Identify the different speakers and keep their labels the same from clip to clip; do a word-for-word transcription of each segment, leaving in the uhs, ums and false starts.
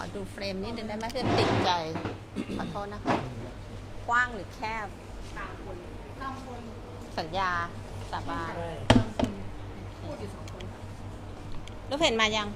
Speaker 1: ดูเฟรมนิดนึงได้ไหมเพื่อนติดใจขอโทษนะคะกว้างหรือแคบสามคนสามคนสัญญาสาบานพูดอยู่สองคนลูกเพจมายัง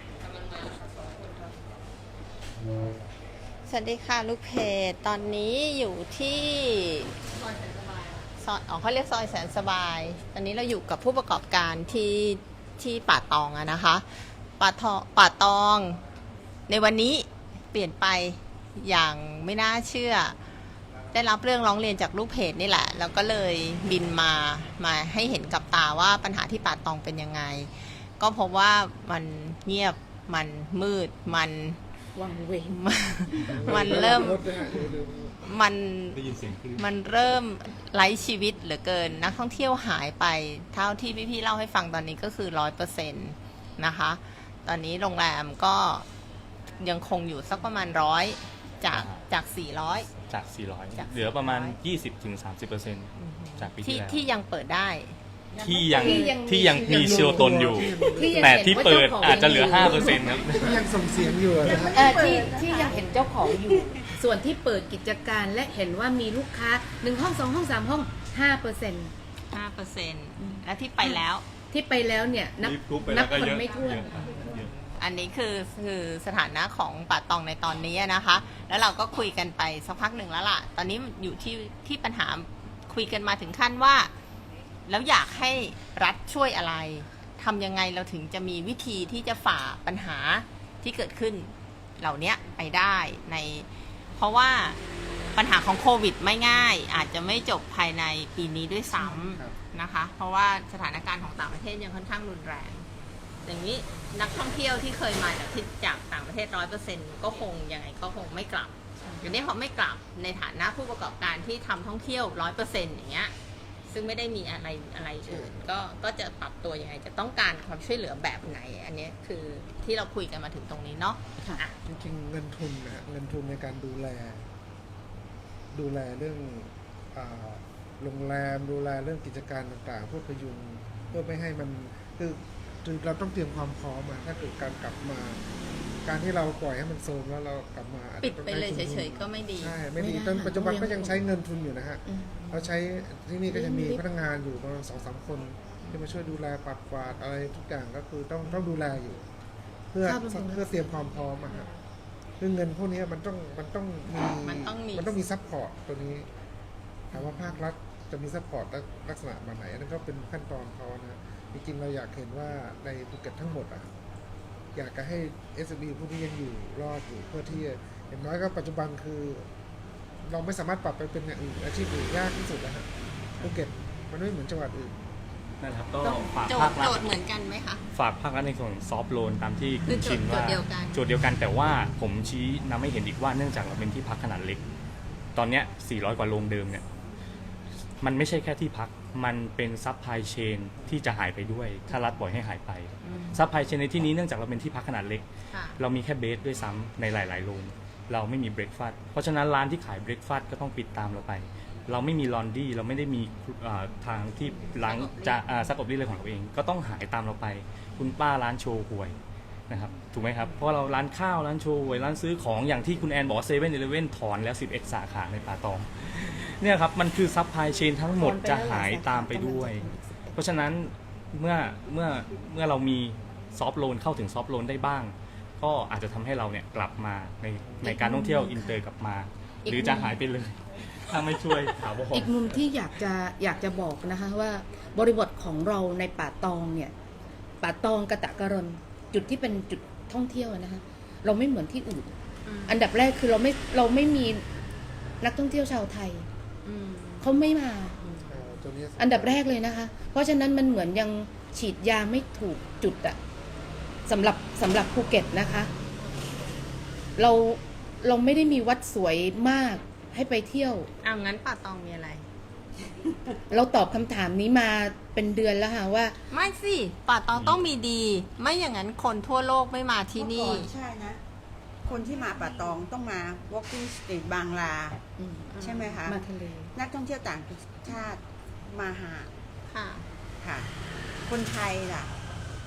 Speaker 1: สวัสดีค่ะลูกเพจตอนนี้อยู่ที่ซอยแสนสบายซอยอ๋อเขาเรียกซอยแสนสบายตอนนี้เราอยู่กับผู้ประกอบการที่ที่ป่าตองอะนะคะป่าทองป่าตองในวันนี้เปลี่ยนไปอย่างไม่น่าเชื่อได้รับเรื่องร้องเรียนจากลูกเพจนี่แหละแล้วก็เลยบินมามาให้เห็นกับตาว่าปัญหาที่ป่าตองเป็นยังไงก็พบว่ามันเงียบมันมืดมันวังเวงมันเริ่มมันมันเริ่มไร้ชีวิตเหลือเกินนักท่องเที่ยวหายไปเท่าที่พี่ๆเล่าให้ฟังตอนนี้ก็คือร้อยเปอร์เซ็นต์นะคะตอนนี้โรงแรมก็ยังคงอยู่สักประมาณร้อยจากจากสี่ร้อย
Speaker 2: จากสี่ร้อยเหลือประมาณ ยี่สิบถึงสามสิบเปอร์เซ็นต์ จากปีที่แล้ว
Speaker 1: ที่ยังเปิดได้
Speaker 2: ที่ยังที่ยังมีเชียวตนอยู่แต่ที่เปิดอาจจะเหลือ ห้าเปอร์เซ็นต์ ครับ
Speaker 3: ที่ยังส่งเสียงอยู่
Speaker 4: เออที่ที่ยังเห็นเจ้าของอยู่ส่วนที่เปิดกิจการและเห็นว่ามีลูกค้าหนึ่งห้องสองห้องสามห้อง ห้าเปอร์เซ็นต์
Speaker 1: ห้าเปอร์เซ็นต์ และที่ไปแล้ว
Speaker 4: ที่ไปแล้วเนี่ยนับนับคนไม่ถ้วน
Speaker 1: อันนี้คือคือสถานะของป่าตองในตอนนี้นะคะแล้วเราก็คุยกันไปสักพักหนึ่งแล้วล่ะตอนนี้อยู่ที่ที่ปัญหาคุยกันมาถึงขั้นว่าแล้วอยากให้รัฐช่วยอะไรทำยังไงเราถึงจะมีวิธีที่จะฝ่าปัญหาที่เกิดขึ้นเหล่านี้ไปได้ในเพราะว่าปัญหาของโควิดไม่ง่ายอาจจะไม่จบภายในปีนี้ด้วยซ้ำนะคะเพราะว่าสถานการณ์ของต่างประเทศยังค่อนข้างรุนแรงอย่างนี้นักท่องเที่ยวที่เคยมาจากที่จากต่างประเทศร้อยเปอร์เซ็นต์ก็คงยังไงก็คงไม่กลับอย่างนี้เขาไม่กลับในฐานะผู้ประกอบการที่ทำท่องเที่ยวร้อยเปอร์เซ็นต์อย่างเงี้ยซึ่งไม่ได้มีอะไรอะไรอื่นก็ก็จะปรับตัวยังไงจะต้องการความช่วยเหลือแบบไหนอันนี้คือที่เราคุยกันมาถึงตรงนี้เนาะ
Speaker 3: จริงๆเงินทุนนะเงินทุนในการดูแลดูแลเรื่องโรงแรมดูแลเรื่องกิจการต่างๆเพื่อพยุงเพื่อไม่ให้มันคือเราต้องเตรียมความพร้อมมาถ้าเกิดการกลับมาการที่เราปล่อยให้มันโซมแล้วเรากลับมา
Speaker 1: ปิดไปเลยเฉยๆก็ไม่ดี
Speaker 3: ใช่ไม่ดีตอนปัจจุบันก็ยังใช้เงินทุนอยู่นะฮะเราใช้ที่นี่ก็จะมีพนักงานอยู่ประมาณสองสามคนที่มาช่วยดูแลปัดกวาดอะไรทุกอย่างก็คือต้องต้องดูแลอยู่เพื่อเพื่อเตรียมความพร้อมอะฮะเรื่องเงินพวกนี้มันต้องมันต้องมี
Speaker 1: มันต้องมี
Speaker 3: มันต้องมีซัพพอร์ตตัวนี้ถามว่าภาครัฐจะมีซัพพอร์ตลักษณะแบบไหนนั่นก็เป็นขั้นตอนเขานะจริงๆเราอยากเห็นว่าในภูเก็ตทั้งหมดอะอยากจะให้ เอส เอ็ม อี พวกนี้ยังอยู่รอดอยู่เพื่อที่อย่างน้อยก็ปัจจุบันคือเราไม่สามารถปรับไปเป็นอย่างอื่นอาชีพอื่นยากที่สุดนะฮะภูเก็ตมันไม่เหมือนจังหวัดอื่น
Speaker 2: นั่นครับก็ฝาก
Speaker 1: ภาครัฐโจทย์เหมือนกันไหมคะ
Speaker 2: ฝากภาครัฐในส่วนซอฟท์โลนตามที่คุณชินว่า
Speaker 1: โจทย์เดียวกัน
Speaker 2: โจทย์เดียวกันแต่ว่าผมชี้นำให้เห็นอีกว่าเนื่องจากเราเป็นที่พักขนาดเล็กตอนเนี้ยสี่ร้อยกว่าโรงเดิมเนี่ยมันไม่ใช่แค่ที่พักมันเป็นซัพพลายเชนที่จะหายไปด้วยถ้ารัฐปล่อยให้หายไปซัพพลายเชนในที่นี้เนื่องจากเราเป็นที่พักขนาดเล็กเรามีแค่เบสด้วยซ้ำในหลายๆโรงเราไม่มีเบรคฟาสต์เพราะฉะนั้นร้านที่ขายเบรคฟาสต์ก็ต้องปิดตามเราไปเราไม่มีลอนดี้เราไม่ได้มีทางที่ล้างจะซักอบรีดเลยของเราเองก็ต้องหายตามเราไปคุณป้าร้านโชว์หวยนะครับถูกไหมครับเพราะเราร้านข้าวร้านโชว์หวยร้านซื้อของอย่างที่คุณแอนบอกเซเว่นอีเลฟเว่นถอนแล้วสิบเอ็ดสาขาในป่าตองเนี่ยครับมันคือซัพพลายเชนทั้งหมดจะหายตามไปด้วยเพราะฉะนั้นเมื่อเมื่อเมื่อเรามีซอฟท์โลนเข้าถึงซอฟท์โลนได้บ้างก็อาจจะทำให้เราเนี่ยกลับมาในในการท่องเที่ยวอินเตอร์กลับมาหรือจะหายไปเลยถ้าไม่ช่วยถาวร
Speaker 4: อีกมุมที่อยากจะอยากจะบอกนะคะว่าบริบทของเราในป่าตองเนี่ยป่าตองกะตะกะรอนจุดที่เป็นจุดท่องเที่ยวนะคะเราไม่เหมือนที่อื่นอันดับแรกคือเราไม่เราไม่มีนักท่องเที่ยวชาวไทยเขาไม่มาอันดับแรกเลยนะคะเพราะฉะนั้นมันเหมือนยังฉีดยาไม่ถูกจุดอะสำหรับสำหรับภูเก็ตนะคะเราเราไม่ได้มีวัดสวยมากให้ไปเที่ยว
Speaker 1: อ้าวงั้นป่าตองมีอะไร
Speaker 4: เราตอบคำถามนี้มาเป็นเดือนแล้วค่ะว่า
Speaker 1: ไม่สิป่าตองต้องมีดีไม่อย่างนั้นคนทั่วโลกไม่มาที่นี่
Speaker 5: ใช่นะคนที่มาป่าตองต้องมา walking street บางลาใช่ไหมคะ
Speaker 4: มาทะเล
Speaker 5: นักท่องเที่ยวต่างชาติมาหา
Speaker 1: ค่ะ
Speaker 5: ค่ะคนไทยล่ะ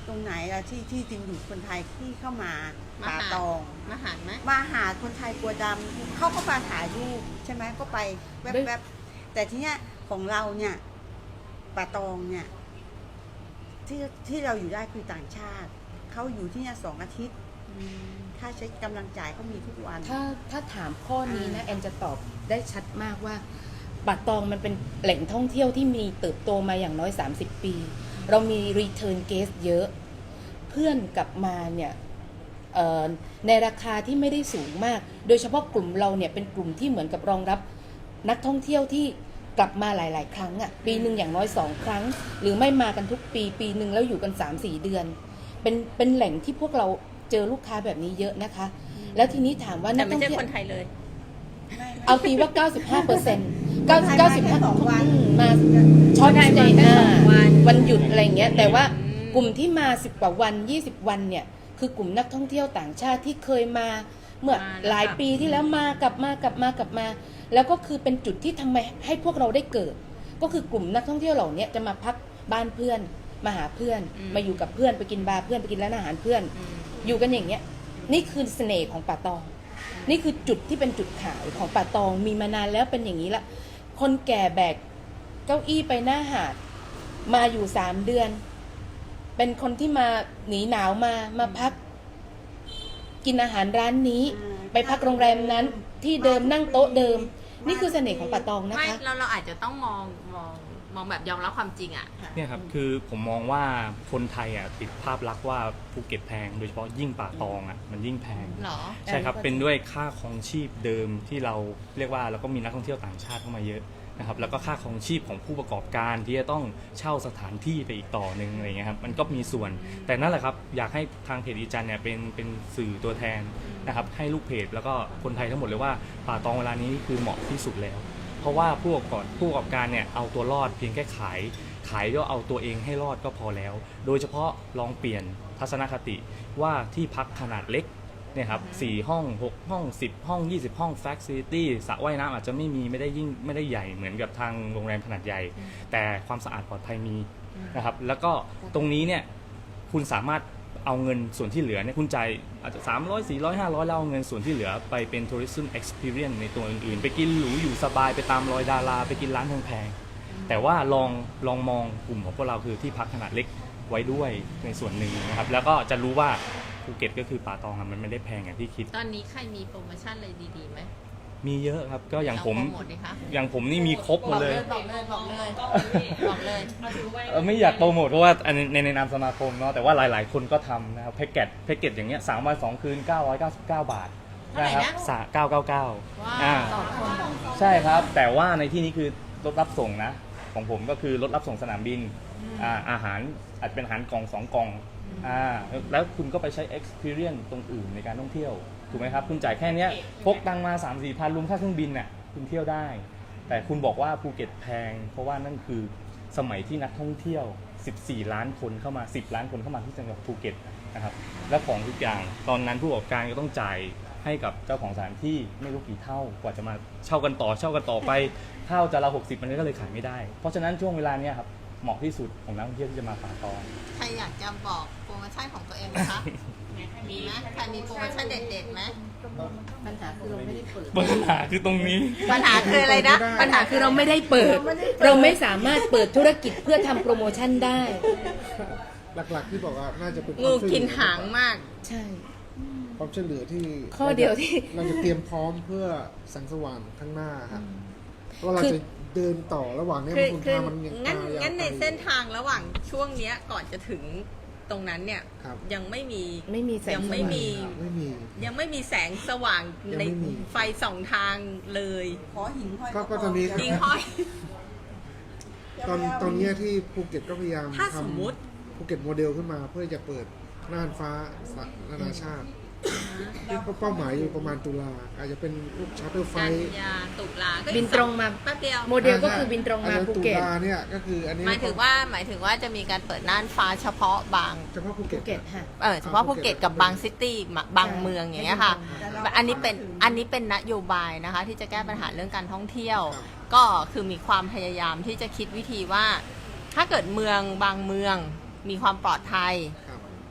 Speaker 5: ตรงไหนอะที่ที่ดึงดูดคนไทยที่เข้ามา
Speaker 1: มา
Speaker 5: ป่า
Speaker 1: หา
Speaker 5: ตอง
Speaker 1: มาหารไหม
Speaker 5: มาหาคนไทยกลัวดำเขาก็มาถ่ายรูปใช่ไหมก็ไปแวบๆแต่ที่เนี้ยของเราเนี่ยป่าตองเนี่ยที่ที่เราอยู่ได้คือต่างชาติเขาอยู่ที่เนี่ยสองอาทิตย์ค่าใช้กำลังจ่ายเขามีทุกวัน
Speaker 4: ถ้าถ้าถามข้อนี้นะแอนจะตอบได้ชัดมากว่าป่าตองมันเป็นแหล่งท่องเที่ยวที่มีเติบโตมาอย่างน้อยสามสิบปี เรามี return guest เยอะเพื่อนกลับมาเนี่ยเอ่อในราคาที่ไม่ได้สูงมาก โดยเฉพาะกลุ่มเราเนี่ยเป็นกลุ่มที่เหมือนกับรองรับนักท่องเที่ยวที่กลับมาหลาย ๆ ครั้งอะ่ะปีหนึ่งอย่างน้อยสองครั้ง หรือไม่มากันทุกปีปีหนึ่งแล้วอยู่กัน สามสี่ เดือนเป็นเป็นแหล่งที่พวกเราเจอลูกค้าแบบนี้เยอะนะคะ แล้วทีนี้ถามว่า
Speaker 1: แต่
Speaker 4: นัก
Speaker 1: ไม่
Speaker 4: ท่อง
Speaker 1: ใช่
Speaker 4: เที่ยว
Speaker 1: คนไทยเลย
Speaker 4: เอาตีว่า เก้าสิบห้าเปอร์เซ็นต์
Speaker 5: คนไทยมาแค่สองวัน
Speaker 4: มาช็อต
Speaker 1: คนไทย
Speaker 4: สเต
Speaker 1: มา
Speaker 4: ย์
Speaker 1: แค่สองวัน
Speaker 4: วันหยุดอะไรอย่างเงี้ยแต่ว่า
Speaker 1: อืม
Speaker 4: กลุ่มที่มาสิบกว่าวันยี่สิบวันเนี่ยคือกลุ่มนักท่องเที่ยวต่างชาติที่เคยมาเมื่อหลายปีที่แล้วมากลับมากลับมากลับมา แล้วก็คือเป็นจุดที่ทำไมให้พวกเราได้เกิด ก็คือกลุ่มนักท่องเที่ยวเหล่านี้จะมาพักบ้านเพื่อนมาหาเพื่อน
Speaker 1: อืม
Speaker 4: มาอยู่กับเพื่อนไปกินบาร์เพื่อนไปกินร้านอาหารเพื่อน
Speaker 1: อืม
Speaker 4: อยู่กันอย่างเงี้ยนี่คือเสน่ห์ของป่าตอง นี่คือจุดที่เป็นจุดขายของป่าตองมีมานานแล้วเป็นอย่างนี้ละคนแก่แบกเก้าอี้ไปหน้าหาดมาอยู่สามเดือน เป็นคนที่มาหนีหนาวมามาพัก กินอาหารร้านนี้
Speaker 5: อืม
Speaker 4: ไปพักโรงแรมนั้นที่เดิมนั่งโต๊ะเดิม นี่คือเสน่ห์ของป่าตองนะ
Speaker 1: ไม่
Speaker 4: คะ
Speaker 1: เราเราอาจจะต้องมองมองมองแบบยอมรับความจริงอ่ะ
Speaker 2: เนี่ยครับคือผมมองว่าคนไทยอ่ะติดภาพลักษณ์ว่าภูเก็ตแพง โดยเฉพาะยิ่งป่าตองอ่ะมันยิ่งแพง
Speaker 1: เหรอ
Speaker 2: ใช่ครับ เป็นด้วยค่าครองชีพเดิมที่เราเรียกว่าเราก็มีนักท่องเที่ยวต่างชาติเข้ามาเยอะนะครับแล้วก็ค่าครองชีพของผู้ประกอบการที่จะต้องเช่าสถานที่ไปอีกต่อหนึ่งอะไรเงี้ยครับมันก็มีส่วน แต่นั่นแหละครับอยากให้ทางเพจอีจันเนี่ยเป็นเป็นสื่อตัวแทนนะครับให้ลูกเพจแล้วก็คนไทยทั้งหมดเลยว่าป่าตองเวลานี้คือเหมาะที่สุดแล้ว เพราะว่าผู้ประกอบผู้ประกอบการเนี่ยเอาตัวรอดเพียงแค่ขายขายก็เอาตัวเองให้รอดก็พอแล้ว โดยเฉพาะลองเปลี่ยนทัศนคติว่าที่พักขนาดเล็กเนี่ยครับสี่ห้องหกห้องสิบห้องยี่สิบห้องแฟคซิลิตี้สระว่ายน้ำอาจจะไม่มีไม่ได้ยิ่งไม่ได้ใหญ่เหมือนกับทางโรงแรมขนาดใหญ่ แต่ความสะอาดปลอดภัยมีนะครับแล้วก็ตรงนี้เนี่ยคุณสามารถเอาเงินส่วนที่เหลือเนี่ยคุณจ่ายอาจจะสามร้อย สี่ร้อย ห้าร้อยแล้วเอาเงินส่วนที่เหลือไปเป็น tourism experience ในตัวอื่นๆ ไปกินหรูอยู่สบายไปตามรอยดาราไปกินร้านแพงๆแต่ว่าลองลองมองกลุ่มของพวกเราคือที่พักขนาดเล็กไว้ด้วยในส่วนหนึ่งนะครับแล้วก็จะรู้ว่าภูเก็ตก็คือป่าตองอะมันไม่ได้แพงอย่างที่คิด
Speaker 1: ตอนนี้ใครมีโปรโมชั่นอะไรดีๆไหม
Speaker 2: มีเยอะครับก็อย่างผม
Speaker 1: ลโปรโมทดิคะ
Speaker 2: อย่างผมนี่มีครบหมดเลย
Speaker 1: บอกเลยบอกเลยบอกเลย
Speaker 2: เออไม่อยากโปรโมทเพราะว่าอันในในนามสมาคมเนาะแต่ว่าหลาย ๆ คนก็ทำนะครับแพ็กเกจแพ็กเกจอย่างเงี้ยสามวันสองคืนเก้าร้อยเก้าสิบเก้าบาทนะครับสะเก้าเก้าเก้า
Speaker 1: ว้า
Speaker 2: อ่า
Speaker 1: วต่อคน
Speaker 2: ใช่ครับ แต่ว่าในที่นี้คือรถรับส่งนะ ของผมก็คือรถรับส่งสนามบินอ่าอาหารอาจจะเป็นอาหารกล่องสองกล่องอ่าแล้วคุณก็ไปใช้ experience ตรงอื่นในการท่องเที่ยวถูกไหมครับคุณจ่ายแค่เนี้ยพกตังมา สามสี่พันรวมค่าเครื่องบินน่ะคุณเที่ยวได้ แต่คุณบอกว่าภูเก็ตแพง เพราะว่านั่นคือสมัยที่นักท่องเที่ยวสิบสี่ล้านคนเข้ามาสิบล้านคนเข้ามาที่จังหวัดภูเก็ตนะครับและของทุกอย่างตอนนั้นผู้ประกอบการก็ต้องจ่ายให้กับเจ้าของสถานที่ไม่รู้กี่เท่ากว่าจะมาเช่ากันต่อเช่ากันต่อไปเท่าจะละหกสิบมันก็เลยขายไม่ได้ เพราะฉะนั้นช่วงเวลาเนี้ยครับเหมาะที่สุดของนักท่องเที่ยวที่จะมาป่าตอง
Speaker 1: ใครอยากจะบอกโปรโมชั่นของตัวเองไหมคะ มีไหมใครมีโปรโมชั่นเด็ดๆไหม
Speaker 4: ปัญหาคือเราไม่ได้เปิด
Speaker 2: ปัญหาคือตรงนี้
Speaker 1: ปัญหาคืออะไรนะ
Speaker 4: ปัญหาคือเราไม่ได้เปิด เราไม่สามารถเปิดธุรกิจเพื่อทำโปรโมชั่นได้
Speaker 3: หลักๆที่บอกว่าน่าจะเป็น
Speaker 1: งูกินหางมาก
Speaker 4: ใช่
Speaker 3: ความช่วยเหลือที่
Speaker 4: ข้อเดียวที่
Speaker 3: เราจะเตรียมพร้อมเพื่อแสงสว่างข้างหน้าครับเพราะเรา
Speaker 4: คือ
Speaker 3: จะเดินต่อระหว่างเนี้ย
Speaker 1: คือ
Speaker 3: คุณ
Speaker 1: คือ
Speaker 3: ทางมันยัง
Speaker 1: งั้น
Speaker 3: ยาว
Speaker 1: งั้นใน
Speaker 3: ไป
Speaker 1: เส้นทางระหว่างช่วงเนี้ยก่อนจะถึงตรงนั้นเนี่ย
Speaker 3: ครับ
Speaker 1: ยังไม่มี
Speaker 4: ไม่มีแสง
Speaker 1: ยังไม่
Speaker 4: สว่าง
Speaker 1: มี
Speaker 3: ไม่มี
Speaker 1: ยังไม่มีแสงสว่าง
Speaker 3: ยัง
Speaker 1: ใน
Speaker 3: ไม่มี
Speaker 1: ไฟสองทางเลย
Speaker 5: ขอหินห้อย
Speaker 3: ก็ก็ตอนนี้
Speaker 1: จริงห้อย
Speaker 3: ตอนตอนเนี้ยที่ภูเก็ตก็พยายาม
Speaker 1: ถ้า
Speaker 3: ท
Speaker 1: สมมุติ
Speaker 3: ำภูเก็ตโมเดลขึ้นมาเพื่อจะเปิดน่านฟ้านานาชาติที่เป้าหมายอยู่ประมาณตุลาอาจจะเป็นพวกชาร์เตอร์ไฟ
Speaker 1: กันยาตุลาก็อีก
Speaker 4: บินตรงมา
Speaker 1: แป๊บเดียว
Speaker 4: โมเดลก็คือบินตรงมาภูเก็ต
Speaker 3: ตุลาเนี่ยก็คืออันนี้
Speaker 1: หมายถึงว่าหมายถึงว่าจะมีการเปิดน่านฟ้าเฉพาะบาง
Speaker 3: เฉพาะภู
Speaker 4: ภู
Speaker 3: เก็ต
Speaker 4: เก็ตค่ะ
Speaker 1: เออเฉพาะภูเก็ตกับบางซิตี้บางเมืองอย่างเงี้ยค่ะ อันนี้เป็นอันนี้เป็นนโยบายนะคะ ที่จะแก้ปัญหาเรื่องการท่องเที่ยว ก็คือมีความพยายามที่จะคิดวิธีว่า ถ้าเกิดเมืองบางเมืองมีความปลอดภัย
Speaker 3: ครับ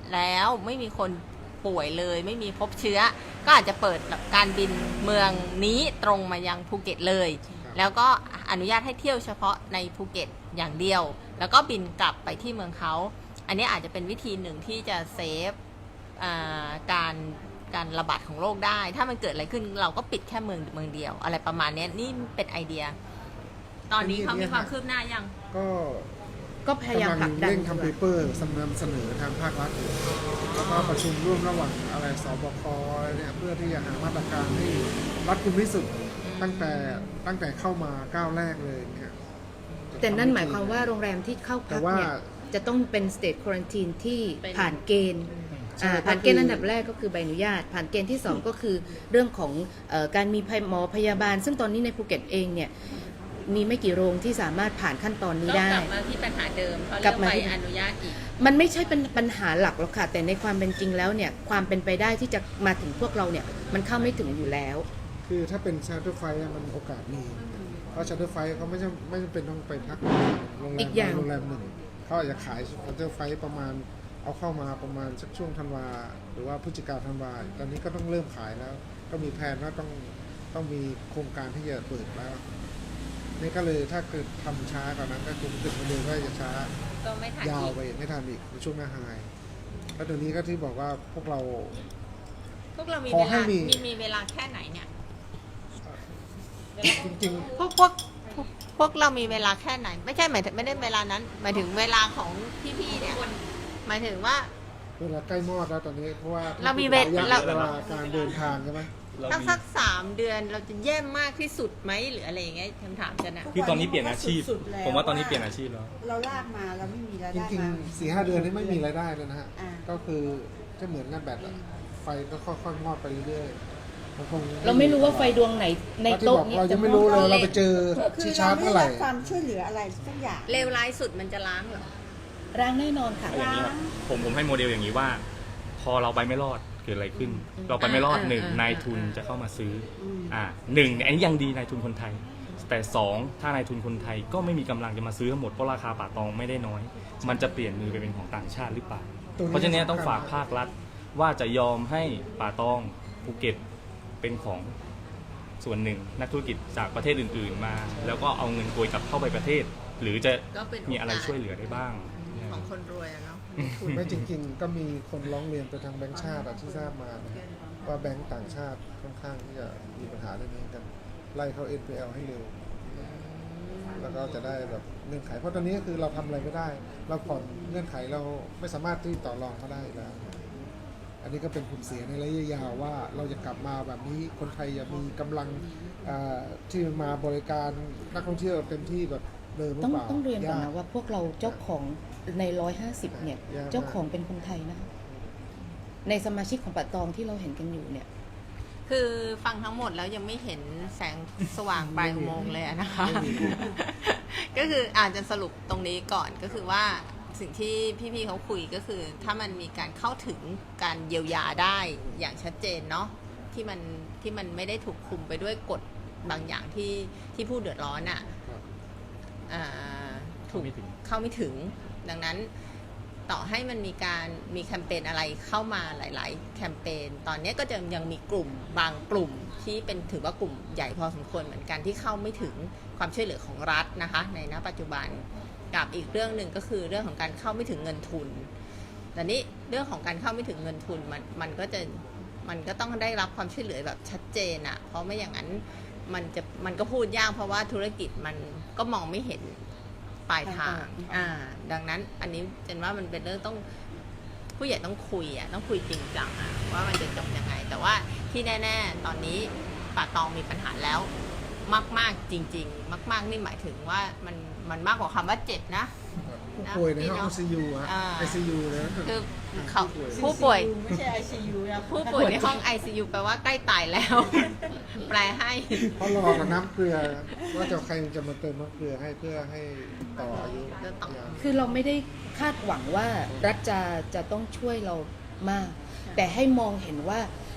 Speaker 1: แล้วไม่มีคนป่วยเลย ไม่มีพบเชื้อ ก็อาจจะเปิดการบินเมืองนี้ตรงมายังภูเก็ตเลย แล้วก็อนุญาตให้เที่ยวเฉพาะในภูเก็ตอย่างเดียว แล้วก็บินกลับไปที่เมืองเขา อันนี้อาจจะเป็นวิธีหนึ่งที่จะเซฟอ่าการการระบาดของโรคได้ ถ้ามันเกิดอะไรขึ้นเราก็ปิดแค่เมืองเมืองเดียว อะไรประมาณนี้นี่เป็นไอเดีย ตอนนี้เขามีความคืบหน้ายัง
Speaker 3: ก็
Speaker 4: ก็พยายามผลักดัน
Speaker 3: เร่งทำเปเปอร์นำเสนอทางภาครัฐอยู่แล้วก็ประชุมร่วมระหว่างอะไรสบคอะไรเนี่ยเพื่อที่จะหามาตรการให้รัดกุมที่สุดตั้งแต่ตั้งแต่เข้ามาก้าวแรกเลยเนี่ย
Speaker 4: แต่นั่นหมายความว่าโรงแรมที่เข้าพั
Speaker 3: แต่
Speaker 4: ก
Speaker 3: ว่า
Speaker 4: เนี่ยจะต้องเป็น state quarantine ที่
Speaker 1: เป็น
Speaker 4: ผ่านเกณฑ์
Speaker 3: ใช่
Speaker 4: อ่า
Speaker 3: ก็คือ
Speaker 4: ผ่านเกณฑ์อันดับแรกก็คือใบอนุญาต ผ่านเกณฑ์ที่สองก็คือเรื่องของเอ่อการมีหมอพยาบาล ซึ่งตอนนี้ในภูเก็ตเองเนี่ยมีไม่กี่โรงที่สามารถผ่านขั้นตอนนี้
Speaker 1: ก็
Speaker 4: ได้
Speaker 1: กลับมาที่ปัญหาเดิมเพราะ
Speaker 4: กลั
Speaker 1: เรื่อบ ง
Speaker 4: มา
Speaker 1: ใบ
Speaker 4: ที่
Speaker 1: อนุญาตอีก
Speaker 4: มันไม่ใช่เป็นปัญหาหลักหรอกค่ะ แต่ในความเป็นจริงแล้วเนี่ยความเป็นไปได้ที่จะมาถึงพวกเราเนี่ยมันเข้าไม่ถึงอยู่แล้ว
Speaker 3: คือถ้าเป็นชาร์เตอร์ไฟล์มันโอกาสมีเพราะชาร์เตอร์ไฟล์เขาไม่จำไม่จำเป็นต้องไปพักโรงแร
Speaker 4: อี
Speaker 3: ม
Speaker 4: กอย่าง
Speaker 3: โรงแรมหนึ่งเขาอาจจะขายชาร์เตอร์ไฟล์ประมาณเอาเข้ามาประมาณสักช่วงธันวาหรือว่าพฤศจิกาธันวาตอนนี้ก็ต้องเริ่มขายแล้ว ก็มีแผนว่าต้องต้องมีโครงการที่จะเปิดแล้วนี่ก็เลยถ้าเกิดทำช้ากว่านั้นก็คือตึกมาเดินก็จะช้า
Speaker 1: ก็ไม่ทัน
Speaker 3: ยาว
Speaker 1: อีก
Speaker 3: ไปไม่ทันอีกในช่วงหน้าไฮแล้วตรงนี้ก็ที่บอกว่าพวกเรา
Speaker 1: พวกเรามี
Speaker 3: ขอ
Speaker 1: เว
Speaker 3: ให้
Speaker 1: ลา
Speaker 3: มี
Speaker 1: มีมีเวลาแค่ไหนเนี่ย
Speaker 3: จริง
Speaker 1: พวกพวกพวกพวกเรามีเวลาแค่ไหน ไม่ใช่หมายถึงไม่ได้เวลานั้น หมายถึงเวลาของพี่ๆเนี่ยหมายถึงว่า
Speaker 3: ๆเวลาใกล้มอดแล้วตอนนี้เพราะว่า
Speaker 1: เรามีเว
Speaker 3: ระยะ
Speaker 1: เรา
Speaker 3: เวลาการเดินทางใช่ไหม
Speaker 1: ถ้าสักสามเดือนเราจะแย่มากที่สุดไหมหรืออะไรอย่างเงี้ยคำถามจะนะ
Speaker 2: คือตอนนี้เปลี่ยนอาชีพ
Speaker 5: สุดๆแล้ว
Speaker 2: ผมว่าตอนนี้เปลี่ยนอาชีพแล้ว
Speaker 5: เราลากมาเราไม่มีราย
Speaker 3: จ
Speaker 5: ได้
Speaker 3: ริง
Speaker 5: มา
Speaker 3: ๆสี่ห้าเดือนนี้ไม่มีรายได้เลยนะฮะ
Speaker 5: อ่า
Speaker 3: ก็คือจะเหมือนงานแบตอะไฟก็ค่อยๆมอดไปเรื่อยๆมันคง
Speaker 4: เราไม่รู้ว่าไฟดวงไหนใน
Speaker 3: เพราะที่
Speaker 4: โต๊ะ
Speaker 3: บอก
Speaker 4: นี้
Speaker 3: เรา
Speaker 4: จะ
Speaker 3: ยังไม่รู้เลยเราไปเจอ
Speaker 5: คื
Speaker 3: ชิ
Speaker 5: อ
Speaker 3: ชา
Speaker 5: เรา
Speaker 3: ร์จ
Speaker 5: ไม่
Speaker 3: เมื่อไห
Speaker 5: ได้
Speaker 3: ร่
Speaker 5: รับความช่วยเหลืออะไรสักอย่าง
Speaker 1: เลวร้ายสุดมันจะล้างเหรอ
Speaker 4: ร้างแน่นอนค่ะ
Speaker 2: เอาอย่างนี้ครับผมผมให้โมเดลอย่างนี้ว่า พอเราไปไม่รอดเกิดอะไรขึ้น เราไปไม่รอด
Speaker 1: อ่า
Speaker 2: หนึ่ง
Speaker 1: อ่าน
Speaker 2: ายทุน
Speaker 1: อ่า
Speaker 2: จะเข้ามาซื้ออ
Speaker 5: ม
Speaker 2: อ่าหนึ่งอันนี้ยังดีนายทุนคนไทย แต่สองถ้านายทุนคนไทยก็ไม่มีกำลังจะมาซื้อทั้งหมดเพราะราคาป่าตองไม่ได้น้อย มันจะเปลี่ยนมือไปเป็นของต่างชาติหรือเปล่า
Speaker 3: ตรงนี้
Speaker 2: เพราะฉะนั้นต้อง
Speaker 3: สำคัญ
Speaker 2: ฝากภาครัฐว่าจะยอมให้ป่าตองภูเก็ตเป็นของส่วนหนึ่งนักธุรกิจจากประเทศอื่น ๆ มา แล้วก็เอาเงินโกยกลับเข้าไปประเทศ หรือจะ
Speaker 1: ก็เป็น
Speaker 2: มีอะไรช่วยเหลือได้บ้าง
Speaker 1: ของคนรวยอะเนาะ
Speaker 3: ไม่จริงๆ ก็มีคนร้องเรียนไปทางแบงก์ชาติอะที่ทราบมานะฮะว่าแบงก์ต่างชาติค่อนข้างที่จะมีปัญหาเรื่องนี้กันไล่เข้า เอ็น พี แอล ให้เร็ว แล้วก็จะได้แบบเงื่อนไข เพราะตอนนี้ก็คือเราทำอะไรไม่ได้ เราผ่อนเงื่อนไขเราไม่สามารถที่ต่อรองเขาได้แล้ว อันนี้ก็เป็นผลเสียในระยะยาวว่าเราจะกลับมาแบบนี้คนไทยจะมีกำลังอ่าที่มาบริการนักท่องเที่ยวเต็มที่แบบเดิมหรื
Speaker 4: ต้
Speaker 3: อ
Speaker 4: อง
Speaker 3: เปล่า
Speaker 4: ต้องเรียนก่อน
Speaker 3: ยา
Speaker 4: นะว่าพวกเราเจ้าของในร้อยห้าสิบเนี่ย
Speaker 3: ยากมาก
Speaker 4: เจ้าของเป็นคนไทยนะคะในสมาชิกของป่าตองที่เราเห็นกันอยู่เนี่ย
Speaker 1: คือฟังทั้งหมดแล้วยังไม่เห็นแสงสว่างปลายอุโมงค์เลยอะนะคะ ก็คืออาจจะสรุปตรงนี้ก่อนก็คือว่าสิ่งที่พี่ๆเขาคุยก็คือ ถ้ามันมีการเข้าถึงการเยียวยาได้อย่างชัดเจนเนาะที่มันที่มันไม่ได้ถูกคุมไปด้วยกฎบางอย่างที่ที่ผู้เดือดร้อนอะ่ะ
Speaker 3: ครับ
Speaker 1: อ่าถูก
Speaker 2: ไม่ถึง
Speaker 1: เข้าไม่ถึง ดังนั้นต่อให้มันมีการมีแคมเปญอะไรเข้ามาหลาย ๆ แคมเปญตอนนี้ก็จะยังมีกลุ่มบางกลุ่มที่เป็นถือว่ากลุ่มใหญ่พอสมควรเหมือนกันที่เข้าไม่ถึงความช่วยเหลือของรัฐนะคะในณปัจจุบันกับอีกเรื่องหนึ่งก็คือเรื่องของการเข้าไม่ถึงเงินทุนแต่นี้เรื่องของการเข้าไม่ถึงเงินทุนมันมันก็จะมันก็ต้องได้รับความช่วยเหลือแบบชัดเจนอะเพราะไม่อย่างนั้นมันจะมันก็พูดยากเพราะว่าธุรกิจมันก็มองไม่เห็นปลายทางอ่าดังนั้นอันนี้เจนว่ามันเป็นเรื่องต้องผู้ใหญ่ต้องคุยอะต้องคุยจริงจังอะว่ามันจะจบยังไง แต่ว่าที่แน่ๆตอนนี้ป่าตองมีปัญหาแล้วมากๆจริง ๆ มากๆนี่หมายถึงว่ามันมันมากกว่าคำว่าเจ็บนะ
Speaker 3: ผู้ป่วยในห้อง ไอ ซี ยู ฮะ
Speaker 1: อ่า
Speaker 3: ไอ ซี ยู เลยนะ
Speaker 1: คือเขา
Speaker 3: ผู้
Speaker 1: ผู้ป่วย
Speaker 5: ไม่ใช่ ไอ ซี ยู นะ
Speaker 1: ผู้ป่วยในห้อง ไอ ซี ยู แปลว่าใกล้ตายแล้ว แปลให้
Speaker 3: เพราะรอกับน้ำเกลือว่าจะใครจะมาเติมน้ำเกลือให้เพื่อให้ต่ออายุ
Speaker 1: จะต่อ
Speaker 3: ยาว
Speaker 4: คือเราไม่ได้คาดหวังว่ารัฐจะจะต้องช่วยเรามาก แต่ให้มองเห็นว่า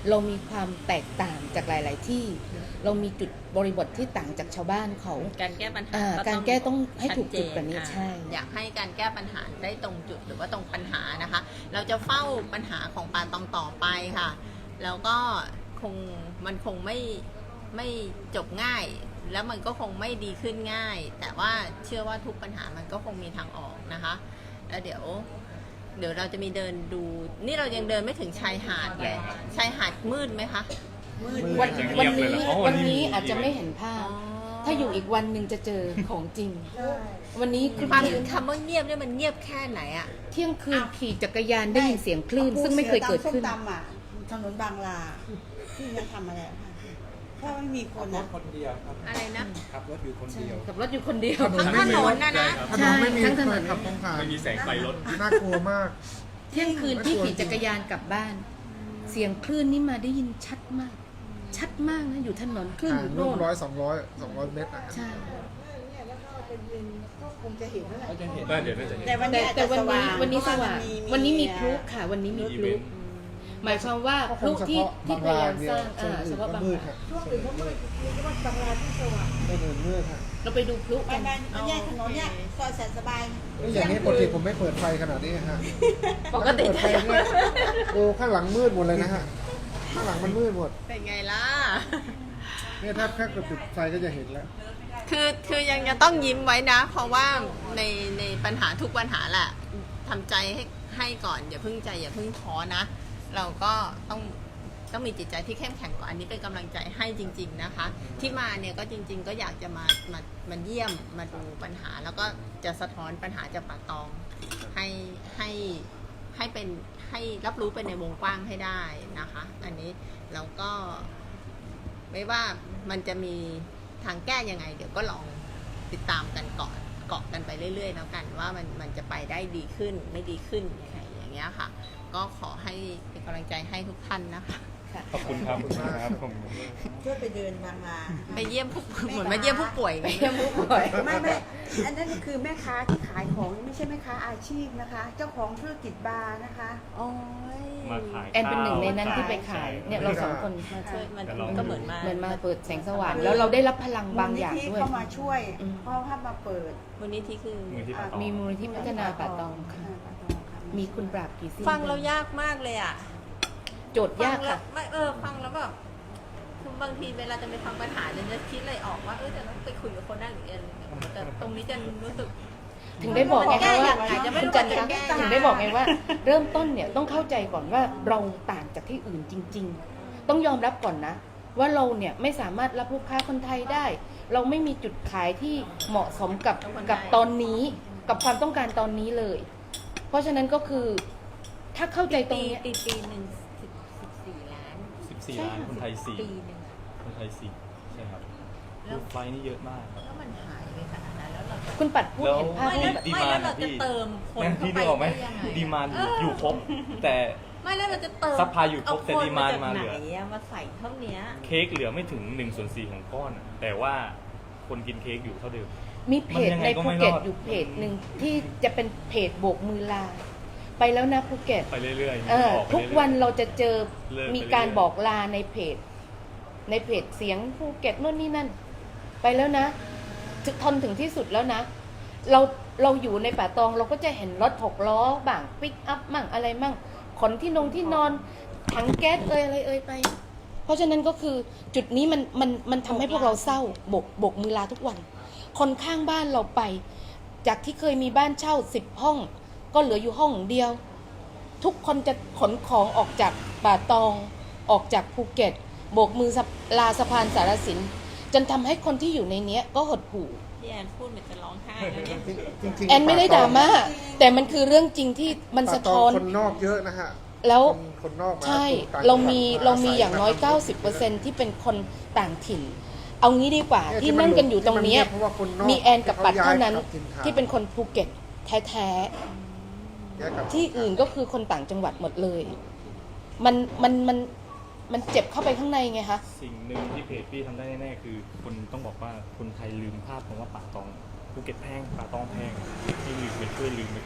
Speaker 4: เรามีความแตกต่างจากหลาย ๆ ที่ เรามีจุดบริบทที่ต่างจากชาวบ้านเขา
Speaker 1: การแก้ปัญหา
Speaker 4: อ่า
Speaker 1: ก็
Speaker 4: การแก้ต้องให้ถูกจุดแบบนี้
Speaker 1: ชัเจ
Speaker 4: ใช่
Speaker 1: อ่าอยากให้การแก้ปัญหาได้ตรงจุดหรือว่าตรงปัญหานะคะ เราจะเฝ้าปัญหาของป่าตองต่อไปค่ะ แล้วก็คงมันคงไม่ไม่จบง่าย แล้วมันก็คงไม่ดีขึ้นง่าย แต่ว่าเชื่อว่าทุกปัญหามันก็คงมีทางออกนะคะ แล้วเดี๋ยว เดี๋ยวเราจะมีเดินดู นี่เรายังเดินไม่ถึงชายหาดเลยชายหาดมืดไหมคะ
Speaker 5: มืด
Speaker 4: วัน
Speaker 2: จะเงี
Speaker 4: วัน
Speaker 2: ยบเลย
Speaker 4: นี้
Speaker 2: เหรออ๋อวั
Speaker 4: วัน น
Speaker 2: นี้
Speaker 4: นี้
Speaker 2: มี
Speaker 4: อาจจะไม่เห็นภาพ ถ้าอยู่อีกวันหนึ่งจะเจอของจริง วันนี้คือ
Speaker 1: ความคำว่าเงียบเนี่ยมันเงียบแค่ไหนอะ
Speaker 4: เที่ยงคืนขี่จักรยานได้ยินเสียงคลื่น ซึ่งไม่เคยเกิดขึ้น
Speaker 5: ส้มตำอ่ะถนนบางลาที่จะทำอะไรค่ะถ้าไม่มีคน
Speaker 6: ร
Speaker 5: อ่ะ
Speaker 6: ถคนเดียวครับ
Speaker 1: อะไรนะ
Speaker 6: ขับรถอยู่คนเดียว
Speaker 4: กับรถอยู่คนเดียว
Speaker 3: ถนน
Speaker 1: ทั้ง
Speaker 3: ไม่
Speaker 1: ถ
Speaker 3: มี
Speaker 1: น
Speaker 3: ร
Speaker 1: น
Speaker 3: ถ
Speaker 1: นะนะ
Speaker 3: ถนนไม่มี
Speaker 4: ทั้งถนน
Speaker 3: ขับตรงผ่าน
Speaker 2: ไม่มีแสงไฟรถ
Speaker 3: น่ากลัวมาก
Speaker 4: เที่ยงคืนที่ขี่จักรยานกลับบ้าน เสียงคลื่นนี่มาได้ยินชัดมาก ชัดมากนะอยู่ถนนคลื่น
Speaker 3: ห่า
Speaker 4: อง ยู่
Speaker 3: นู่
Speaker 4: โน่
Speaker 3: น
Speaker 4: น
Speaker 3: ร้อยสองร้อยสองร้อยเมตรนะ
Speaker 4: ใช่
Speaker 6: ก็จะเห็น
Speaker 2: ก็เดี๋ยวน่าจะเห็น
Speaker 5: แต่วัน
Speaker 4: แต่
Speaker 5: นี้อาจ
Speaker 4: แต่
Speaker 5: จะ
Speaker 4: วัน
Speaker 5: ส
Speaker 4: นี้
Speaker 5: ว่าง
Speaker 4: วันนี้สว่าง วันนี้มีพลุ
Speaker 5: เ
Speaker 4: ค่ะ วันนี้มี
Speaker 2: มี
Speaker 4: พลุ
Speaker 2: อีเวนต์
Speaker 4: หมายความว่า
Speaker 3: ก็ค
Speaker 4: พลุ
Speaker 3: งเฉ
Speaker 4: ที่
Speaker 3: พาะ
Speaker 4: ที่
Speaker 3: บาง
Speaker 4: พยายาม
Speaker 3: รายเนี่
Speaker 4: ส
Speaker 3: ย
Speaker 4: ร้างอ่าเฉ
Speaker 3: เฉ
Speaker 4: พาะ
Speaker 3: พาะ
Speaker 4: บาง
Speaker 3: มืด
Speaker 4: ราย
Speaker 3: ฮะ
Speaker 6: ช่วงอื่นก็มืดมีก็บางรายที่สว่าง
Speaker 3: ไม่เดินมืดฮะ
Speaker 4: เราไปดูพลุ
Speaker 5: ไป
Speaker 4: กัน
Speaker 5: มามันแยกถนนเนี่ยซอยแสนสบาย
Speaker 3: แล้วอย่างนี้ปกติผมไม่เปิดไฟขนาดนี้ฮะ
Speaker 4: ปกติ
Speaker 3: เปิดไฟเนี่ยโอ้ข้างหลังมืดหมดเลยนะฮะข้างหลังมันมืดหมด
Speaker 1: เป็นไงล่ะ
Speaker 3: เนี่ยถ้าแค่กดปิดไฟก็จะเห็นแล้ว
Speaker 1: คือคือยังจะต้องยิ้มไว้นะ เพราะว่าในในปัญหาทุกปัญหาแหละทำใจให้ให้ก่อนอย่าเพิ่งใจอย่าเพิ่งท้อนะ เราก็ต้องต้องมีจิตใจที่เข้มแข็งก่อนอันนี้เป็นกำลังใจให้จริง ๆนะคะ ที่มาเนี่ยก็จริง ๆ ก็อยากจะมามามาเยี่ยมมาดูปัญหา แล้วก็จะสะท้อนปัญหาจากป่าตองให้ให้ให้เป็นให้รับรู้เป็นในวงกว้างให้ได้นะคะ อันนี้แล้วก็ ไม่ว่ามันจะมีทางแก้ยังไง เดี๋ยวก็ลองติดตามกันเกาะเกาะกันไปเรื่อยๆแล้วกันว่ามันมันจะไปได้ดีขึ้นไม่ดีขึ้นยังไงอย่างเงี้ยค่ะ ก็ขอให้เป็นกำลังใจให้ทุกท่านนะคะ
Speaker 2: ขอบคุณครับครับผม
Speaker 5: ช่วยไปเดินบางลา
Speaker 1: ไปเยี่ยมผู้เหมือนมาเยี่ยมผู้ป่วยไง
Speaker 4: เยี่ยมผู้ป่วย
Speaker 5: ไม่ไม่อันนั้นคือแม่ค้าที่ขายของไม่ใช่แม่ค้าอาชีพนะคะ เจ้าของธุรกิจบาร์นะคะโอ้ย
Speaker 2: มาขาย
Speaker 4: แอนเป็นหนึ่งในนั้น
Speaker 2: ข้าว
Speaker 4: ที่ไปขาย เนี่ยเราสองคนมาช่วย
Speaker 1: มันก็เหมือนมา
Speaker 4: เหมือนมาเปิดแสงสว่าง แล้วเราได้รับพลังบางอย่างด้วย
Speaker 5: เข้ามาช่วย
Speaker 4: อืม
Speaker 5: เพราะว่ามาเปิด
Speaker 1: วันนี้ที่คือ
Speaker 2: มือที่ปากตอง
Speaker 4: มีมูลนิธิพัฒนาป่าตองค่ะ
Speaker 5: ป่าตองค่ะ
Speaker 4: มีคุณปราบกี่ซี่
Speaker 1: ฟังเรายากมากเลยอ่ะ
Speaker 4: โจทย์ยาก
Speaker 1: ฟังแล้
Speaker 4: ค่ะ
Speaker 1: วไม่เออฟังแล้วแบบคือบางทีเวลาจะไปฟังปัญหาจะจะคิดอะไรออกว่าเออจะต้องไปคุยกับคนนั้นหรืออะไรอย่างเงี้ยแต่ตรงนี้จะรู้สึก
Speaker 4: ถึงได้บอกไงคะว่า
Speaker 1: อาจจะไม่
Speaker 4: คุณ
Speaker 1: รู้
Speaker 4: จันทร์
Speaker 1: ว่า
Speaker 4: คะ
Speaker 1: จะแก้ยังไง
Speaker 4: ถึงได้บอกไงว่า เริ่มต้นเนี่ยต้องเข้าใจก่อนว่าเราต่างจากที่อื่นจริง ๆ ต้องยอมรับก่อนนะ ว่าเราเนี่ยไม่สามารถรับลูกค้าคนไทยได้ เราไม่มีจุดขายที่เหมาะสมกับกับตอนนี้กับความต้องการตอนนี้เลย เพราะฉะนั้นก็คือถ้าเข้าใจตรงเนี้ย
Speaker 1: ปีปีหนึ่งสิบสิบสี่ล้าน
Speaker 2: สิบสี่
Speaker 4: ใช่
Speaker 2: ล้านคนไทยสี่
Speaker 1: ปีหนึ่งอะ
Speaker 2: คนไทยสี่ใช่ครับ
Speaker 1: แล้ว
Speaker 2: รูปไฟนี่เยอะมากครับ
Speaker 1: แล้วมันหายไปขนาดนั้นแล้วเราจะ
Speaker 4: คุณปัดพูดเห็นภาพ
Speaker 1: ไม่
Speaker 4: ที่
Speaker 1: แล้ว
Speaker 2: ดี
Speaker 1: ไม่
Speaker 2: มา
Speaker 1: แล้ว
Speaker 2: น
Speaker 1: เรา
Speaker 2: อะพี่
Speaker 1: จะเติมคน
Speaker 2: นั่น
Speaker 1: เข้า
Speaker 2: พี่
Speaker 1: ไป
Speaker 2: นึกออกไหม
Speaker 1: ได้ยังไง
Speaker 2: ดีมานอยู่
Speaker 1: เ
Speaker 2: อยู่ครบ แต่
Speaker 1: ไม่แล้วเราจะเติม
Speaker 2: ซัพพลายอยู่ครบ
Speaker 1: เ
Speaker 2: แต่ดีมานด์มา
Speaker 1: ค
Speaker 2: เหลือ
Speaker 1: จกไหนอะมาใส่เท่าเนี้ย
Speaker 2: เค้กเหลือไม่ถึงหนึ่งส่วนสี่ของก้อนอะแต่ว่าคนกินเค้กอยู่เท่าเดิม
Speaker 4: มีเพจ
Speaker 2: มันยังไง
Speaker 4: ใน
Speaker 2: ก็
Speaker 4: ภู
Speaker 2: ไม่
Speaker 4: เก็ต
Speaker 2: รอด
Speaker 4: อยู่เพจหนึ่งที่จะเป็นเพจโบกมือลา ไปแล้วนะภูเก็ต
Speaker 2: ไปเรื่อยๆ
Speaker 4: เออ
Speaker 2: ออกไป
Speaker 4: ทุก
Speaker 2: เรื่อยๆ
Speaker 4: วันเราจะเจอ
Speaker 2: เลิกไป
Speaker 4: มีการ
Speaker 2: เรื่อยๆ
Speaker 4: บอกลาในเพจ ในเพจเสียงภูเก็ตโน่นนี่นั่น ไปแล้วนะถึงทนถึงที่สุดแล้วนะ เราเราอยู่ในป่าตองเราก็จะเห็นรถหกล้อบ้างปิกอัพมั่งอะไรมั่งขนที่นงที่นอนถังแก๊สเอ่ยอะไรเอ่ยไป เพราะฉะนั้นก็คือจุดนี้มันมันมันทำให้พวกเราเศร้าบกบกมือลาทุกวัน คนข้างบ้านเราไป จากที่เคยมีบ้านเช่าสิบห้อง ก็เหลืออยู่ห้องเดียว ทุกคนจะขนของออกจากป่าตองออกจากภูเก็ตโบกมือลาสะพานสารสินจนทำให้คนที่อยู่ในเนี้ยก็หดหู่
Speaker 1: พี่แอนพูดเหมือนจะร้องไห้แล้วเนี่ย
Speaker 3: จริงๆ
Speaker 4: แอนไม่ได้ด่ามาแต่มันคือเรื่องจริงที่มันสะท้อน
Speaker 3: คนนอกเยอะนะฮะ
Speaker 4: แล้ว
Speaker 3: คนนอกมา
Speaker 4: ใช่
Speaker 3: อยู่ต่ง
Speaker 4: เรามี
Speaker 3: จังหวัด
Speaker 4: เรามีอย่างน้อย
Speaker 3: ศั
Speaker 4: เก้าสิบเปอร์เซ็นต์ที่เป็นคนต่างถิ่น เอางี้ดีกว่า
Speaker 3: เย
Speaker 4: ที่นั่งกันอยู่ตรงเนี้ย
Speaker 3: ที่มัเงียบเพราะว่าคนนอก
Speaker 4: มีแอนกับปัดเท่านั้น
Speaker 3: ขย้ยกลับถิ่ฐ
Speaker 4: ที่เป็นคนภูเก็ตแท้
Speaker 3: ย้ายกลับ
Speaker 4: ๆที่อื่นก็คือคนต่างจังหวัดหมดเลย มันมันมันมันเจ็บเข้าไปข้างในไงคะ
Speaker 2: สิ่งหนึ่งที่เพจพี่ทำได้แน่ๆคือคนต้องบอกว่าคนไทยลืมภาพของว่าป่าตองภูเก็ตแพงป่าตองแพงพี่ลืมไปช่วยลืมไปก่อน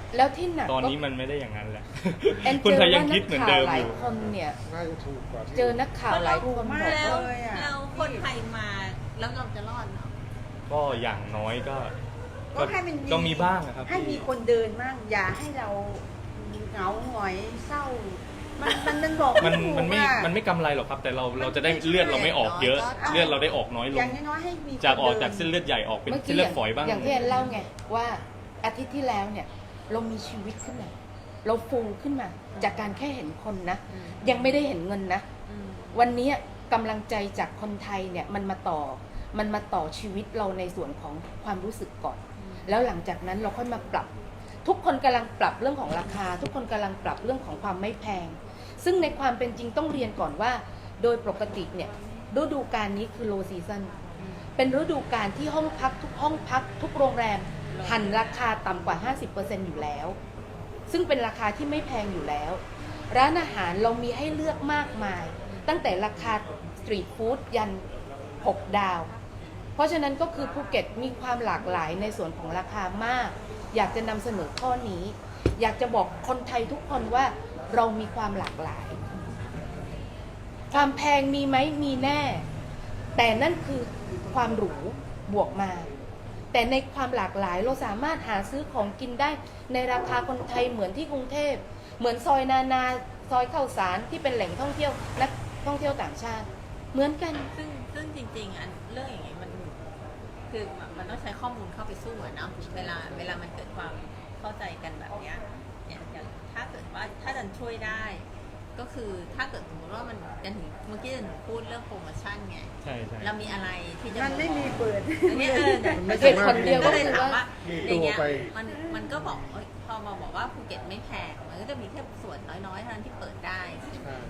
Speaker 4: แล้วที่หนัก
Speaker 2: ตอน
Speaker 4: ก็
Speaker 2: นี้มันไม่ได้อย่างนั้นแล้ว
Speaker 4: แอน
Speaker 2: คน
Speaker 4: เจอ
Speaker 2: ไทยยั
Speaker 4: ว่าง นั
Speaker 2: คิด
Speaker 4: ก
Speaker 2: เหมือน
Speaker 4: ข่า
Speaker 2: เดิ
Speaker 4: ว
Speaker 2: ม
Speaker 4: หลา
Speaker 2: อย ยู่
Speaker 4: คนเนี่ย
Speaker 3: น่าจะถูกกว่าที่
Speaker 4: เจอนักข่าวหลายคนบ
Speaker 5: มา
Speaker 4: อก
Speaker 5: ก
Speaker 1: แล้ว
Speaker 5: เลยอะ
Speaker 1: เราคนไทยมาแล้วเราจะรอดเหรอ
Speaker 2: ก็อย่างน้อยก็
Speaker 5: ก็ให้มัน
Speaker 2: ก็มีบ้างนะครับ
Speaker 5: ให้มีคนเดินบ้างอย่าให้เราเหงาหงอยเศร้า มันมันมันบอก
Speaker 2: มัน
Speaker 5: ถูก
Speaker 2: มันไม่
Speaker 5: อะ
Speaker 2: มันไม่กำไรหรอกครับ แต่เรา
Speaker 5: มัน
Speaker 2: เราจะได้
Speaker 5: ไม่ใช่
Speaker 2: เลือดเราไม่ออกเยอะ
Speaker 1: น้อยก็
Speaker 2: เลือดเราได้ออกน้อยล
Speaker 5: อย่าง งน้อยๆให้มี
Speaker 2: จากออก
Speaker 5: คนดิน
Speaker 2: จากเส้นเลือดใหญ่ออกเป็น
Speaker 4: เมื่อ
Speaker 2: เส้น
Speaker 4: กี้
Speaker 2: เลือดฝอยบ้าง
Speaker 4: อย่างที่แอนเล่าไงว่าอาทิตย์ที่แล้วเนี่ย เรามีชีวิตขึ้นมา เราฟูขึ้นมา จากการแค่เห็นคนนะ
Speaker 1: อืม
Speaker 4: ยังไม่ได้เห็นเงินนะ
Speaker 1: อืม
Speaker 4: วันนี้กำลังใจจากคนไทยเนี่ยมันมาต่อมันมาต่อชีวิตเราในส่วนของความรู้สึกก่อน แล้วหลังจากนั้นเราค่อยมาปรับ ทุกคนกำลังปรับเรื่องของราคา ทุกคนกำลังปรับเรื่องของความไม่แพง ซึ่งในความเป็นจริงต้องเรียนก่อนว่า โดยปกติเนี่ยฤดูกาลนี้คือ low season เป็นฤดูกาลที่ห้องพักทุกห้องพัก ทุกโรงแรมหันราคาต่ำกว่า ห้าสิบเปอร์เซ็นต์ อยู่แล้ว ซึ่งเป็นราคาที่ไม่แพงอยู่แล้ว ร้านอาหารเรามีให้เลือกมากมาย ตั้งแต่ราคาสตรีทฟู้ดยันหกดาว เพราะฉะนั้นก็คือภูเก็ตมีความหลากหลายในส่วนของราคามาก อยากจะนำเสนอข้อนี้ อยากจะบอกคนไทยทุกคนว่าเรามีความหลากหลาย ความแพงมีไหมมีแน่ แต่นั่นคือความหรูบวกมา แต่ในความหลากหลายเราสามารถหาซื้อของกินได้ในราคาคนไทยเหมือนที่กรุงเทพ เหมือนซอยนานาซอยข้าวสารที่เป็นแหล่งท่องเที่ยวนักท่องเที่ยวต่างชาติ เหมือนกัน
Speaker 1: ซึ่งซึ่งจริงๆอันเรื่องอย่างนี้มันคือมันต้องใช้ข้อมูลเข้าไปสู้อะเนาะเวลาเวลามันเกิดความเข้าใจกันแบบเนี้ยเนี่ยอย่างถ้าเกิดว่าถ้าดันช่วยได้ ก็คือถ้าเกิดสมมติว่ามันจะถึงเมื่อกี้จะหนูพูดเรื่องโปรโมชั่นไง
Speaker 2: ใช่ใช่
Speaker 1: เรามีอะไรที่จะ
Speaker 5: มันไม่มีเปิด
Speaker 1: อันเนี้ยเออเนี่ย
Speaker 3: มันไม่
Speaker 4: เหตุผลเดียว
Speaker 1: ก็เลยถามว่า
Speaker 3: มี
Speaker 1: ใน
Speaker 3: ตัว
Speaker 1: เงี้ย
Speaker 3: ไป
Speaker 1: มันมันก็บอกเอ้ยพอมาบอกว่าภูเก็ตไม่แพงมันก็จะมีแค่ส่วนน้อยๆเท่านั้นที่เปิดได้
Speaker 3: ใช่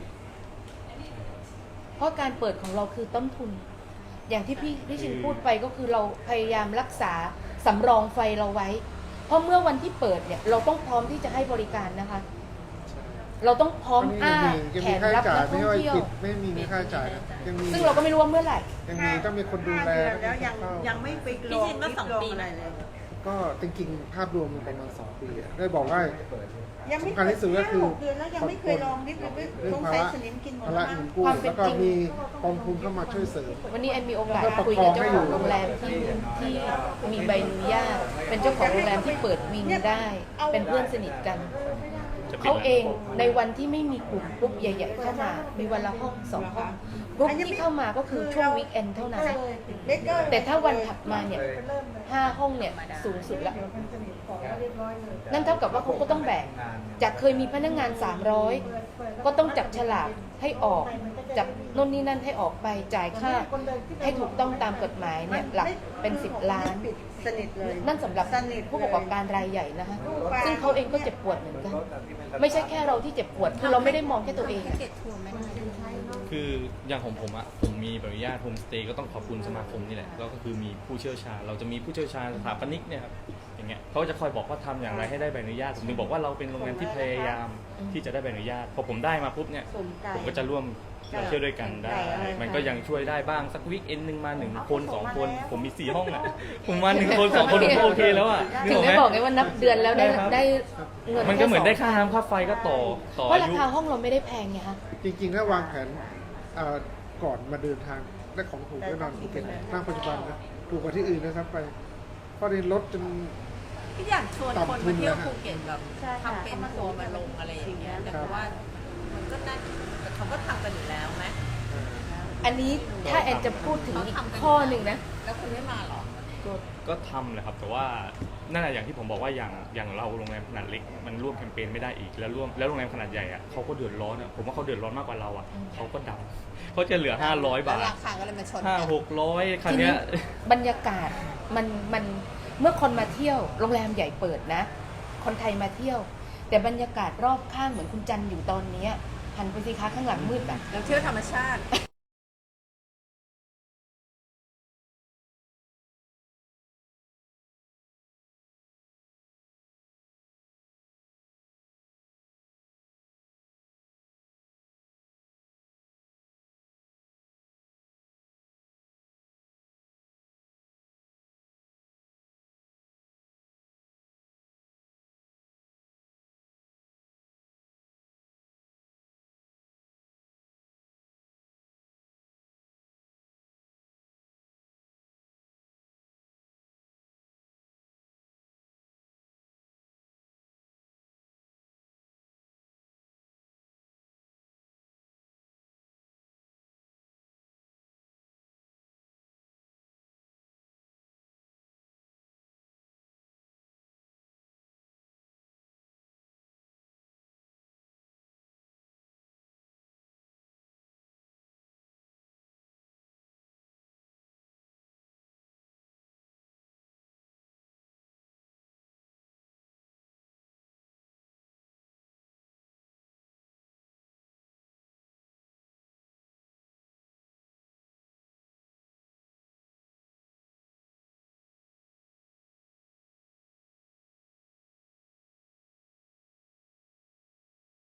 Speaker 4: เพราะการเปิดของเราคือต้นทุน อย่างที่พี่พี่ชินพูดไปก็คือเราพยายามรักษาสำรองไฟเราไว้ เพราะเมื่อวันที่เปิดเนี่ยเราต้องพร้อมที่จะให้บริการนะคะ
Speaker 3: ใช่
Speaker 4: เราต้องพร้อม
Speaker 3: อันนี้
Speaker 4: อ้า
Speaker 3: ยัง
Speaker 4: แข
Speaker 3: มี
Speaker 4: น
Speaker 3: ค่า
Speaker 4: รับ
Speaker 3: ใช้จ่า
Speaker 4: นั
Speaker 3: ย
Speaker 4: ก
Speaker 3: ไม่
Speaker 4: ท่อง
Speaker 3: ใช่ว่า
Speaker 4: เที่ยว
Speaker 3: ปิดไม่มีค่าใช้จ่ายนะยังมี
Speaker 4: ซึ่งเราก็ไม่รู้ว่าเมื่อไหร่
Speaker 3: ยังมีต้องมีคนดูแล
Speaker 5: แล้วยัง
Speaker 3: เข้า
Speaker 5: ยังไม่ไปล
Speaker 1: พี่
Speaker 5: ง
Speaker 1: ชินว่าสองปี
Speaker 5: อะไรเลย
Speaker 3: ก็จริงๆภาพรวมมันประมาณสองปีอะได้บอกว่า
Speaker 5: ยังไม่
Speaker 3: สำคัญที่สุดก็คือ
Speaker 5: ห้าหกเดือนแล้วยังไม่เคยลองนิดเลย
Speaker 3: เรื่อง
Speaker 5: สง
Speaker 3: ภา
Speaker 5: สัย
Speaker 3: ระ
Speaker 5: สนิมกินหมด
Speaker 3: ภา
Speaker 5: แล้
Speaker 3: ระ
Speaker 5: วมั้
Speaker 3: เงิ
Speaker 5: ง
Speaker 3: นกู้
Speaker 4: ความเป็น
Speaker 3: แล้วก็
Speaker 4: จริง
Speaker 3: มีกองทุนเข้ามาช่วยเสริม
Speaker 4: วันนี้แอนมีโอกาส
Speaker 3: แล้วก็
Speaker 4: คุย
Speaker 3: ประ
Speaker 4: กับ
Speaker 3: คอง
Speaker 4: เจ้า
Speaker 3: ให้
Speaker 4: ข
Speaker 3: อยู่
Speaker 4: องโรงแรมที่ที่มีใบอนุญาต เป็นเจ้าของโรงแรมที่เปิดวิงได้ เป็นเพื่อนสนิทกัน
Speaker 2: จะปิด
Speaker 4: เขา
Speaker 2: แล้ว
Speaker 4: เองในวันที่ไม่มีกลุ่มกรุ๊ปใหญ่ๆเข้ามา มีวันละห้องสองห้องกรุ๊ปที่เข้ามาก็คือช่วงวีคเอนด์เท่านั้น
Speaker 5: เบเกอร์
Speaker 4: แต่ถ้าวันถัดมาเนี่ยห้าห้องเนี่ยสูงสุดละ นั่นเท่ากับว่าเขาก็ต้องแบกจากเคยมีพนักงานสามร้อยก็ต้องจับฉลากให้ออกจับโน่นนี่นั่นให้ออกไปจ่ายค่า ให้ถูกต้องตามกฎหมายเนี่ยหลักเป็นสิบล้าน
Speaker 5: ปิดสนิทเลย
Speaker 4: นั่นสำหรับ
Speaker 5: สนิท
Speaker 4: ผู้ประกอบการรายใหญ่นะคะซึ่งเขาเองก็เจ็บปวดเหมือนกัน ไม่ใช่แค่เราที่เจ็บปวดคือเราไม่ได้มองแค่ตัวเอง
Speaker 1: แพ็ก
Speaker 4: อะ
Speaker 1: เกจทัวร์ไม่ได้
Speaker 2: คืออย่างของผมอะผมมีใบอนุญาตโฮมสเตย์ก็ต้องขอบคุณสมาคมนี่แหละแล้วก็คือมีผู้เชี่ยวชาญเราจะมีผู้เชี่ยวชาญสถาปนิกเนี่ยครับอย่างเงี้ยเขาจะคอยบอกว่าทำอย่างไรให้ได้ใบอนุญาตผมถึงบอกว่าเราเป็นโรงแรมที่พยายามที่จะได้ใบอนุญาตพอผมได้มาปุ๊บเนี่ย
Speaker 5: สนใจ
Speaker 2: ผมก็จะร่วมเราเที่ยวด้วยกันได้ มันก็ยังช่วยได้บ้างสักวีคเอนหนึ่งมาหนึ่งคนสองคน ผมมีสี่ห้องอะผมมาหนึ่งคนสองคนผมก็โอเคแล้วอะ
Speaker 4: ถึงได้บอกไงว่านับเดือนแล้วได้
Speaker 2: ใช่ครับ
Speaker 4: ได้เงิน
Speaker 2: มันก็เหมือนได้
Speaker 4: แค่สง
Speaker 2: ค่าน้ำค่าไฟก็ต่อต่อ
Speaker 4: เพราะ
Speaker 2: อา
Speaker 4: รา
Speaker 2: ยุ
Speaker 4: คาห้องเราไม่ได้แพงไงคะ
Speaker 3: จริงๆถ้าวางแผนเอ่อก่อนมาเดินทางได้ของถูกแน่นอนภูเก็ตณปัจจุบันนะถูกกว่าที่อื่นนะครับไปเพราะในรถจน
Speaker 1: พี่อยากชวนคนมาเที่ยวภูเก็ตแบบ
Speaker 5: ใช่ค่ะ
Speaker 1: ทำเป็นทัวร์มาลงอะไรอย่างเงี้ยแต่
Speaker 3: ครับ
Speaker 1: เพราะว่ามันก็น่าแต่เขาก็ทำกันอยู่แล้วไหม
Speaker 4: อันนี้ถ้าแอนจะพูดถึงอีกข้อหนึ่งนะ
Speaker 1: แล้วคุณไม่มาหรอ
Speaker 2: ก็ก็ทำแหละครับแต่ว่านั่นแหละอย่างที่ผมบอกว่าอย่างอย่างเราโรงแรมขนาดเล็กมันร่วมแคมเปญไม่ได้อีกแล้วร่วมแล้วโรงแรมขนาดใหญ่อะเขาก็เดือดร้อนอะผมว่าเขาเดือดร้อนมากกว่าเราอะเขาก็ดับเขาจะเหลือห้าร้อยบาท
Speaker 1: แล้วราคาก็เลยมาชน
Speaker 2: ห้า
Speaker 1: กัน
Speaker 2: หกร้อยคัน
Speaker 4: ที
Speaker 2: เนี้
Speaker 4: นี้
Speaker 2: ย
Speaker 4: บรรยากาศมันมันเมื่อคนมาเที่ยวโรงแรมใหญ่เปิดนะ คนไทยมาเที่ยว แต่บรรยากาศรอบข้างเหมือนคุณจันอยู่ตอนเนี้ยหันไปสิคะข้างหลังมืดอ่ะ
Speaker 1: เราเที่ยวธรรมชาติ